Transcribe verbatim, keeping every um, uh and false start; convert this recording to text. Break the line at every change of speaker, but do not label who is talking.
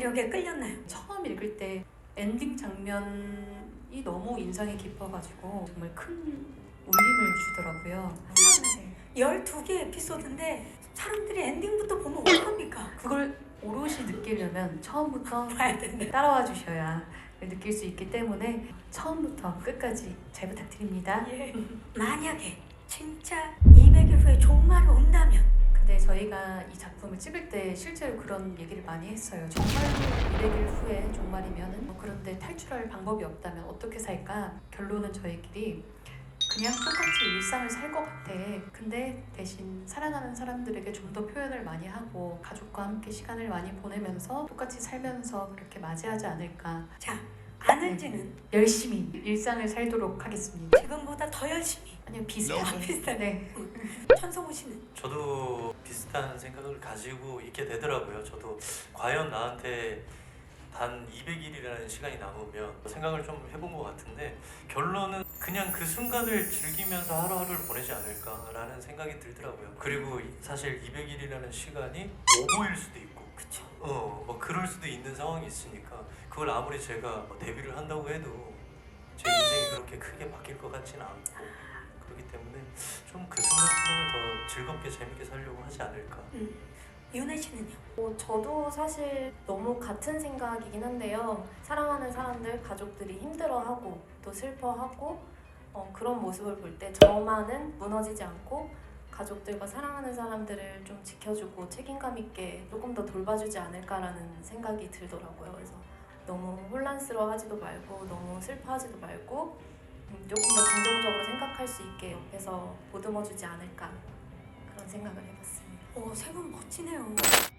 매력에 끌렸나요?
처음 읽을 때 엔딩 장면이 너무 인상이 깊어가지고 정말 큰 울림을 주더라고요.
열두 개 에피소드인데 사람들이 엔딩부터 보면 어떡합니까?
그걸 오롯이 느끼려면 처음부터
봐야 된대.
따라와 주셔야 느낄 수 있기 때문에 처음부터 끝까지 잘 부탁드립니다.
예. 만약에 진짜 이백 일 후에 종말이 온다면
근데 저희가 이 작품을 찍을 때 실제로 그런 얘기를 많이 했어요. 정말로 이백 일 후에 종말이면은 뭐 그런데 탈출할 방법이 없다면 어떻게 살까? 결론은 저희끼리 그냥 똑같이 일상을 살 것 같아. 근데 대신 살아나는 사람들에게 좀 더 표현을 많이 하고 가족과 함께 시간을 많이 보내면서 똑같이 살면서 그렇게 맞이하지 않을까.
자, 아는지는
열심히 일상을 살도록 하겠습니다.
지금보다 더 열심히.
아니요, 비슷하게.
비슷하게.
네.
천성우 씨는?
저도 비슷한 생각을 가지고 있게 되더라고요. 저도 과연 나한테 단 이백 일이라는 시간이 남으면 생각을 좀 해본 것 같은데 결론은 그냥 그 순간을 즐기면서 하루하루를 보내지 않을까라는 생각이 들더라고요. 그리고 사실 이백 일이라는 시간이 오보일 수도 있고
그쵸.
어, 뭐 그럴 수도 있는 상황이 있으니까 그걸 아무리 제가 뭐 데뷔를 한다고 해도 제 인생이 그렇게 크게 바뀔 것 같지는 않고 그렇기 때문에 좀 그 순간순간을 더 즐겁게 재밌게 살려고 하지 않을까.
음. 윤혜 씨는요?
어, 저도 사실 너무 같은 생각이긴 한데요. 사랑하는 사람들, 가족들이 힘들어하고 또 슬퍼하고 어, 그런 모습을 볼 때 저만은 무너지지 않고 가족들과 사랑하는 사람들을 좀 지켜주고 책임감 있게 조금 더 돌봐주지 않을까라는 생각이 들더라고요. 그래서 너무 혼란스러워하지도 말고 너무 슬퍼하지도 말고 음, 조금 더 긍정적으로 생각할 수 있게 옆에서 보듬어주지 않을까 그런 생각을 해봤습니다.
오, 세 분 멋지네요.